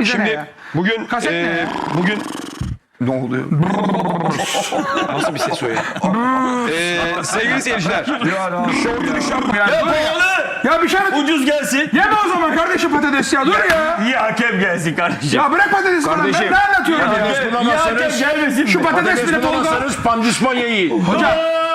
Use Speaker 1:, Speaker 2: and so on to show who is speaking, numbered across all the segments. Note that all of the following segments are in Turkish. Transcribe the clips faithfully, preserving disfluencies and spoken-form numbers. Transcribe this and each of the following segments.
Speaker 1: bize
Speaker 2: şimdi
Speaker 1: ne ya?
Speaker 2: bugün
Speaker 1: Kaset
Speaker 2: e,
Speaker 1: ne ya?
Speaker 2: bugün
Speaker 1: Ne oluyor?
Speaker 2: nasıl bir ses o ya? e, sevgili seyirciler.
Speaker 1: Ya,
Speaker 3: Ya pahalı.
Speaker 1: ya bir şey mi?
Speaker 3: Ucuz gelsin.
Speaker 1: Yeme o zaman kardeşim patates ya. Dur ya.
Speaker 3: İyi hakem gelsin kardeşim.
Speaker 1: Ya bırak patatesi falan. Ben
Speaker 4: Kardeşim,
Speaker 1: ne anlatıyorum ya?
Speaker 4: patates
Speaker 3: İyi
Speaker 4: bulamazsanız,
Speaker 3: hakem gelmesin mi?
Speaker 1: Şu patates bile Tolga.
Speaker 4: bulamazsanız Pandisponya yiyin.
Speaker 1: Hocam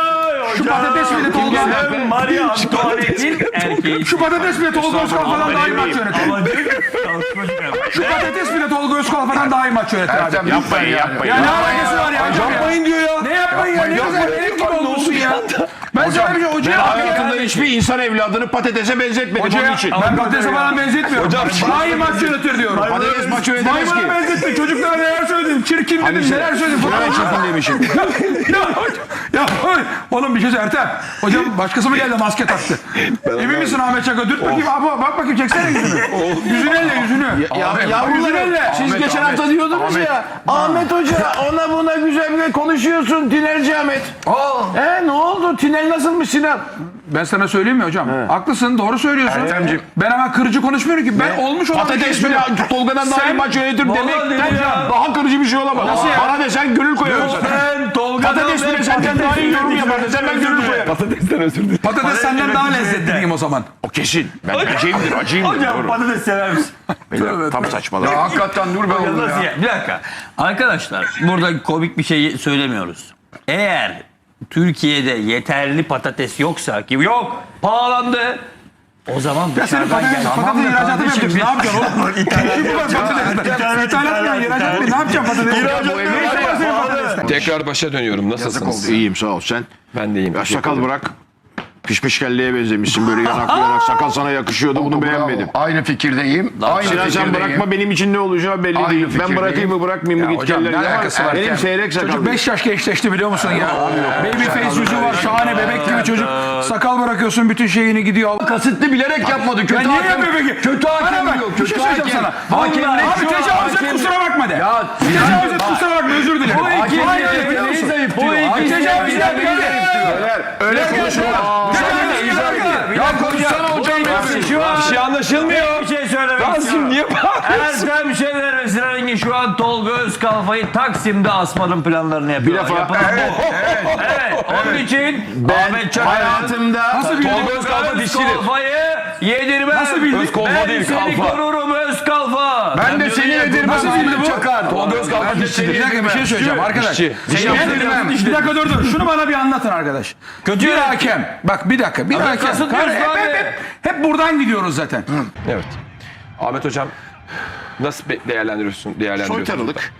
Speaker 1: şu patates bile Tolga.
Speaker 3: Sen Maria Antoinette'in erkeği.
Speaker 1: Şu patates bile Tolga Özkal falan daha iyi maç yönetir.
Speaker 3: Ama diyor ki, çalışmacı ben.
Speaker 1: Şu patates bile Tolga Özkal falan daha iyi maç yönetir abi.
Speaker 4: Yapmayın yapmayın.
Speaker 1: Ya ne alakası var ya?
Speaker 2: Yapmayın diyor ya.
Speaker 1: Ne yapmayın ya? Ne güzel benim gibi olmuşsun ya. Ben sana bir şey hocaya
Speaker 4: Hayatında hiçbir insan evladını patatese benzetmedim
Speaker 1: Hocaya
Speaker 4: onun için.
Speaker 1: ben patatese falan benzetmiyorum.
Speaker 2: Hocam,
Speaker 1: daha iyi maç yönetir diyorum.
Speaker 4: Patates maçı ödemez ki.
Speaker 1: Maymuna benzetme. Çocuklara neler söyledim. Çirkin dedim. Neler söyledim.
Speaker 4: Şuraya çirkin demişim.
Speaker 1: ya hocam. Ya oy. Oğlum bir şey söyle Ertem. Hocam başkası mı geldi maske taktı? Emin misin Ahmet Çakar? Dürt bakayım abi. Bak bakayım çeksene yüzünü. Yüzünü elle yüzünü.
Speaker 4: Ya,
Speaker 1: Yüzünü elle.
Speaker 4: Siz geçen hafta diyordunuz ya. Ahmet Hoca ona buna güzel güzel konuşuyorsun. Tinerci Ahmet.
Speaker 1: Aa.
Speaker 4: E ne oldu? Tiner nasılmış Sinan?
Speaker 1: Ben sana söyleyeyim mi hocam? Haklısın, doğru söylüyorsun.
Speaker 4: Ertemciğim.
Speaker 1: Ben hemen kırıcı konuşmuyorum ki. Ben olmuş olan bir şey
Speaker 4: Patates bile
Speaker 1: söylüyorum.
Speaker 4: Tolga'dan daha iyi
Speaker 1: Sen-
Speaker 4: maç yönetir
Speaker 3: Vallahi
Speaker 4: demekten
Speaker 3: dedi ya.
Speaker 4: daha kırıcı bir şey olamaz.
Speaker 1: Nasıl ya?
Speaker 4: Bana desen gönül koyarım sana.
Speaker 3: Ben Tolga'dan
Speaker 4: Patates bile senden daha iyi yorum yapar desen ben gönül koyarım.
Speaker 2: Patatesten özür dilerim.
Speaker 1: Patates senden daha lezzetli diyeyim o zaman.
Speaker 4: O kesin. Ben acıyımdır, acıyımdır.
Speaker 3: Hocam
Speaker 4: Doğru.
Speaker 3: patates sever misin?
Speaker 4: Beyler, tam saçmalar.
Speaker 1: Hakikaten dur be
Speaker 3: Ya nasıl ya? Bir dakika. Arkadaşlar burada komik bir şey söylemiyoruz. Eğer Türkiye'de yeterli patates yoksa ki yok pahalandı. O zaman
Speaker 1: Ya senin
Speaker 3: dışarıdan
Speaker 1: patates,
Speaker 3: gel.
Speaker 1: patates ihracatı mı yapacaksın? Ne yapacaksın oğlum? İşi bu var patates. İthalat mı? İhracat mı? Ne yapacaksın patates?
Speaker 3: İhracat
Speaker 1: Ne
Speaker 3: mı?
Speaker 1: işin var senin patatesle?
Speaker 2: Tekrar başa dönüyorum. Nasılsınız?
Speaker 4: İyiyim sağ ol sen.
Speaker 2: Ben de iyiyim.
Speaker 4: Ya
Speaker 2: teşekkür
Speaker 4: sakal
Speaker 2: ederim.
Speaker 4: bırak. Pişmiş kelleye benzemişsin böyle yanaklı yanak. Sakal sana yakışıyordu bunu beğenmedim.
Speaker 5: Aynı fikirdeyim. Aynı
Speaker 4: Sinan sen
Speaker 5: fikirdeyim.
Speaker 4: bırakma benim için ne olacağı belli
Speaker 5: Aynı
Speaker 4: değil. Ben
Speaker 5: fikirdeyim.
Speaker 4: bırakayım mı bırakmayayım mı
Speaker 1: Ya
Speaker 4: git
Speaker 1: hocam,
Speaker 4: kelleri.
Speaker 1: ne alakası var
Speaker 4: Benim
Speaker 1: ya?
Speaker 4: seyrek sakal.
Speaker 1: Çocuk beş yaş gençleşti biliyor musun ya? Baby face yüzü var, şahane bebek gibi çocuk. Sakal bırakıyorsun, bütün şeyini gidiyor.
Speaker 5: Kasıtlı bilerek yapmadı. Kötü
Speaker 1: Ya niye
Speaker 5: hakem.
Speaker 1: yapıyor peki?
Speaker 5: Kötü
Speaker 1: Bana
Speaker 5: hakem
Speaker 1: bak,
Speaker 5: diyor.
Speaker 1: bir
Speaker 5: Kötü
Speaker 1: şey söyleyeceğim
Speaker 5: hakem.
Speaker 1: sana.
Speaker 5: Hakemlik
Speaker 1: Abi
Speaker 5: şu an
Speaker 1: tecavüz et
Speaker 5: hakem-
Speaker 1: kusura bakma de.
Speaker 5: Ya
Speaker 1: Tecavüz et kusura bakma özür dilerim.
Speaker 5: Bu iki
Speaker 1: Hayır,
Speaker 5: neyi
Speaker 1: biliyor musun?
Speaker 5: zayıf
Speaker 1: Bu
Speaker 5: diyor.
Speaker 1: iki
Speaker 5: Hakem
Speaker 1: tecavüz
Speaker 5: neyi
Speaker 1: et
Speaker 5: zayıf diyor.
Speaker 4: Öyle konuşma.
Speaker 5: Ya konuşsana hocam.
Speaker 3: Şu an
Speaker 2: Bir şey anlaşılmıyor.
Speaker 3: bir şey söylemek
Speaker 2: Rasim
Speaker 3: istiyorum.
Speaker 2: niye bağırıyorsun?
Speaker 3: Ertem Şener ve Sinan Engin şu an Tolga Özkalfa'yı Taksim'de asmanın planlarını yapıyorlar.
Speaker 4: Bir defa-
Speaker 3: Yapılan bu. Evet. Onun için Ahmet Çakar'ın
Speaker 4: Hayatımda
Speaker 1: Nasıl bildin?
Speaker 2: Tolga Özkalfa dişçidir.
Speaker 3: Özkalfa'yı yedirmem.
Speaker 1: Nasıl bildin?
Speaker 2: Özkalfa
Speaker 3: ben
Speaker 2: değil,
Speaker 3: seni
Speaker 2: kalfa.
Speaker 3: korurum Özkalfa.
Speaker 5: Ben de seni yedirmem.
Speaker 1: Nasıl bildi bu?
Speaker 5: Çakar.
Speaker 2: Tolga Özkalfa
Speaker 1: Bir
Speaker 2: dişçidir.
Speaker 1: dakika bir şey söyleyeceğim arkadaş.
Speaker 2: Dişçi.
Speaker 1: Seni yedirmem. Bir dakika dur dur. Şunu bana bir anlatın arkadaş.
Speaker 3: Kötü
Speaker 1: Bir
Speaker 3: yönetim.
Speaker 1: hakem. Bak bir dakika. Bir hakem.
Speaker 3: kasıtlıyorsun
Speaker 1: Hep,
Speaker 3: abi.
Speaker 1: hep, hep, hep buradan gidiyoruz zaten.
Speaker 2: Evet. Ahmet hocam nasıl be- değerlendiriyorsun? Değerlendiriyorsun?
Speaker 4: soytarılık.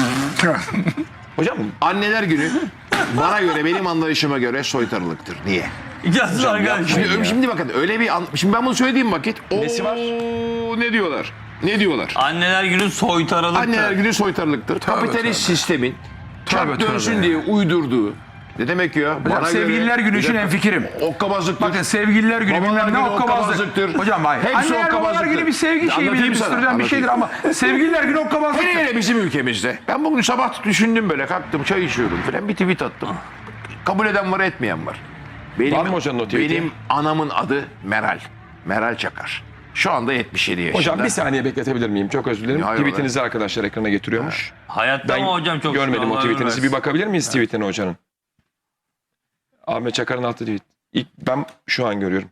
Speaker 2: Hocam
Speaker 4: Anneler günü bana göre benim anlayışıma göre soytarılıktır. Niye?
Speaker 3: Yazın arkadaşlar.
Speaker 4: Şimdi, şimdi bakın öyle bir an, şimdi ben bunu söylediğim vakit
Speaker 2: Nesi var?
Speaker 4: ooo ne diyorlar? Ne diyorlar?
Speaker 3: Anneler günü soytaralıktı.
Speaker 4: Anneler günü soytarılıktır. Kapitalist sistemin çarp
Speaker 1: Tövbe, tövbe
Speaker 4: dönsün
Speaker 1: ya.
Speaker 4: diye uydurduğu. Ne demek ya?
Speaker 1: Hocam, sevgililer günü için hemfikirim.
Speaker 4: Okkabazlıktır.
Speaker 1: Bakın sevgililer günü
Speaker 4: Babalar
Speaker 1: bilmem ne
Speaker 4: günü
Speaker 1: okkabazlık.
Speaker 4: okkabazlıktır.
Speaker 1: Hocam hayır.
Speaker 4: Hepsi
Speaker 1: Anneler babalar
Speaker 4: okkabazlıktır.
Speaker 1: günü bir sevgi şeyi
Speaker 4: Anlatayım
Speaker 1: bile
Speaker 4: sana,
Speaker 1: gösteren bir şeydir ama sevgililer günü okkabazlık.
Speaker 4: Hele hele bizim ülkemizde. Ben bugün sabah düşündüm böyle kalktım çay içiyordum falan bir tweet attım. Kabul eden var etmeyen var. Benim,
Speaker 2: Var mı hocanın o tweet'i?
Speaker 4: Benim anamın adı Meral. Meral Çakar. Şu anda yetmiş yedi yaşında.
Speaker 2: hocam bir saniye bekletebilir miyim? Çok özür dilerim.
Speaker 4: Hayır,
Speaker 2: Tweetinizi arkadaşlar ekrana getiriyormuş.
Speaker 3: Hayatta
Speaker 2: Ben
Speaker 3: mı hocam çok
Speaker 2: görmedim o
Speaker 3: şükür, Allah
Speaker 2: tweetinizi.
Speaker 3: versin.
Speaker 2: Bir bakabilir miyiz tweetine hocanın? Ahmet Çakar'ın attığı tweet. İlk ben şu an görüyorum.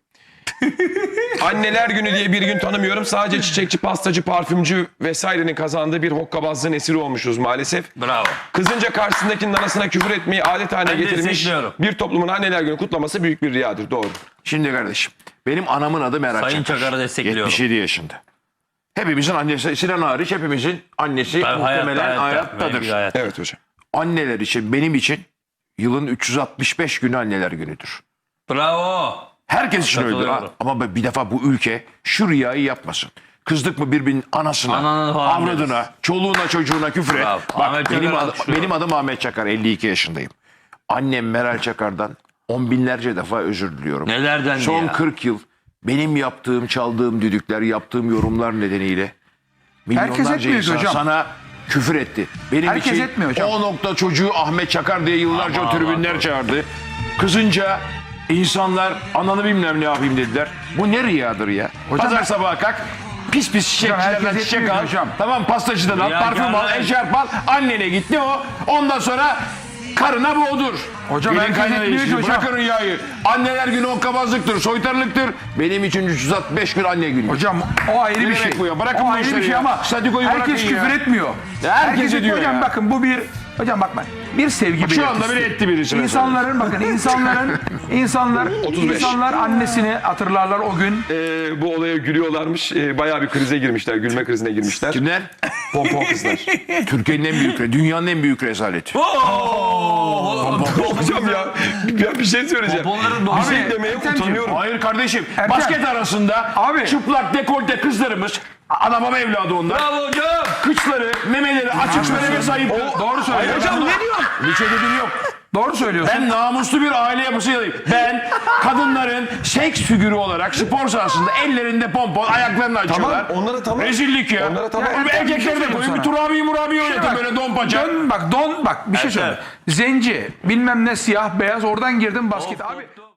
Speaker 2: Anneler günü diye bir gün tanımıyorum. Sadece çiçekçi, pastacı, parfümcü vesairenin kazandığı bir hokkabazlığın esiri olmuşuz maalesef.
Speaker 3: Bravo.
Speaker 2: Kızınca karşısındakinin anasına küfür etmeyi adet haline
Speaker 3: Ben
Speaker 2: getirmiş
Speaker 3: destekliyorum.
Speaker 2: bir toplumun anneler günü kutlaması büyük bir riyadır. Doğru.
Speaker 4: Şimdi kardeşim benim anamın adı Meral
Speaker 3: Sayın
Speaker 4: Çakar.
Speaker 3: Çakar'ı destekliyorum.
Speaker 4: yetmiş yedi yaşında. Hepimizin annesi, Sinan hariç hepimizin annesi
Speaker 3: Ben
Speaker 4: muhtemelen
Speaker 3: hayatta, hayatta,
Speaker 4: hayattadır.
Speaker 3: benimki hayatta.
Speaker 2: Evet hocam.
Speaker 4: Anneler için benim için yılın üç yüz altmış beş günü anneler günüdür.
Speaker 3: Bravo.
Speaker 4: Herkes için öyledir.
Speaker 3: Katılıyorum.
Speaker 4: Ha. Ama bir defa bu ülke şu riyayı yapmasın. Kızdık mı birbirinin anasına,
Speaker 3: Ananı falan
Speaker 4: avradına,
Speaker 3: deriz.
Speaker 4: çoluğuna, çocuğuna küfür et.
Speaker 3: Bravo.
Speaker 4: Bak
Speaker 3: Ahmet
Speaker 4: benim,
Speaker 3: Çakar'ı
Speaker 4: adım,
Speaker 3: alkışlıyorum.
Speaker 4: benim adım Ahmet Çakar, elli iki yaşındayım. Annem Meral Çakar'dan on binlerce defa özür diliyorum.
Speaker 3: Nelerden
Speaker 4: Son
Speaker 3: ya?
Speaker 4: kırk yıl benim yaptığım, çaldığım düdükler, yaptığım yorumlar nedeniyle
Speaker 1: Herkes
Speaker 4: milyonlarca
Speaker 1: etmiyor ki
Speaker 4: insan
Speaker 1: hocam.
Speaker 4: sana küfür etti. Benim
Speaker 1: Herkes
Speaker 4: için
Speaker 1: etmiyor hocam.
Speaker 4: o nokta çocuğu Ahmet Çakar diye yıllarca
Speaker 3: Aman,
Speaker 4: tribünler
Speaker 3: aman.
Speaker 4: çağırdı. Kızınca insanlar ananı bilmem ne yapayım dediler. Bu ne riyadır ya? Pazar sabahı kalk Pis pis çiçekçilerden
Speaker 1: herkes
Speaker 4: çiçek
Speaker 1: yetmiyor
Speaker 4: al.
Speaker 1: hocam.
Speaker 4: Tamam pastacıdan al,
Speaker 3: Ya
Speaker 4: parfüm al,
Speaker 3: canım.
Speaker 4: eşarp al. Annene gitti o. Ondan sonra karına boğdur.
Speaker 1: Hocam
Speaker 4: Gelin
Speaker 1: herkes
Speaker 4: kaynana
Speaker 1: yetmiyor ki
Speaker 4: ilişkisi.
Speaker 1: hocam.
Speaker 4: Bırakın rüyayı. Anneler günü hokkabazlıktır, soytarılıktır. Benim için üç yüz altmış beş gün anne günü.
Speaker 1: Hocam o ayrı
Speaker 4: Ne
Speaker 1: bir
Speaker 4: demek
Speaker 1: şey.
Speaker 4: bu ya? Bırakın
Speaker 1: o
Speaker 4: bu
Speaker 1: ayrı bir
Speaker 4: işleri
Speaker 1: şey
Speaker 4: ya.
Speaker 1: ama
Speaker 4: Statükoyu
Speaker 1: herkes
Speaker 4: bırakın ya.
Speaker 1: küfür etmiyor.
Speaker 4: Ya herkes
Speaker 1: etmiyor.
Speaker 4: ediyor
Speaker 1: Hocam
Speaker 4: ya.
Speaker 1: bakın bu bir hocam bak ben bir sevgi
Speaker 4: Bak şu anda
Speaker 1: belirtisi.
Speaker 4: bile etti birisi mesela.
Speaker 1: İnsanların bakın insanların insanlar
Speaker 2: otuz beş.
Speaker 1: insanlar annesini hatırlarlar o gün.
Speaker 2: Ee, bu olaya gülüyorlarmış. Ee, bayağı bir krize girmişler. Gülme krizine girmişler.
Speaker 4: Kimler?
Speaker 2: Pompon kızlar.
Speaker 4: Türkiye'nin en büyük, dünyanın en büyük rezaleti.
Speaker 2: Hocam ya, ya bir şey söyleyeceğim.
Speaker 3: Pomponların
Speaker 2: Bir
Speaker 3: doğru-
Speaker 2: şey demeye
Speaker 1: Ertemciğim,
Speaker 2: utanıyorum.
Speaker 4: Hayır kardeşim.
Speaker 1: Ertem.
Speaker 4: Basket arasında
Speaker 1: Abi.
Speaker 4: çıplak dekolte kızlarımız, ana baba evladı onlar.
Speaker 3: Bravo hocam.
Speaker 4: Kıçları, memeleri açık söyleme sayıp.
Speaker 1: Doğru söylüyor.
Speaker 4: Hocam ne diyorsun? Bir şey dediğim yok.
Speaker 1: Doğru söylüyorsun.
Speaker 4: Ben namuslu bir aile yapısı yanayım. Ben kadınların seks figürü olarak spor sahasında ellerinde pompon, ayaklarını açıyorlar.
Speaker 2: onlara tamam.
Speaker 4: Rezillik ya.
Speaker 2: Onlara tamam.
Speaker 4: Oğlum
Speaker 1: Ya,
Speaker 4: erkekleri de
Speaker 1: bir şey
Speaker 4: koyun. Bir
Speaker 1: söyleyeyim
Speaker 4: turabi murabi oynatın
Speaker 1: Bak,
Speaker 4: böyle don paça.
Speaker 1: Dön bak don bak bir şey söyle. Zenci bilmem ne siyah beyaz oradan girdim basket. Abi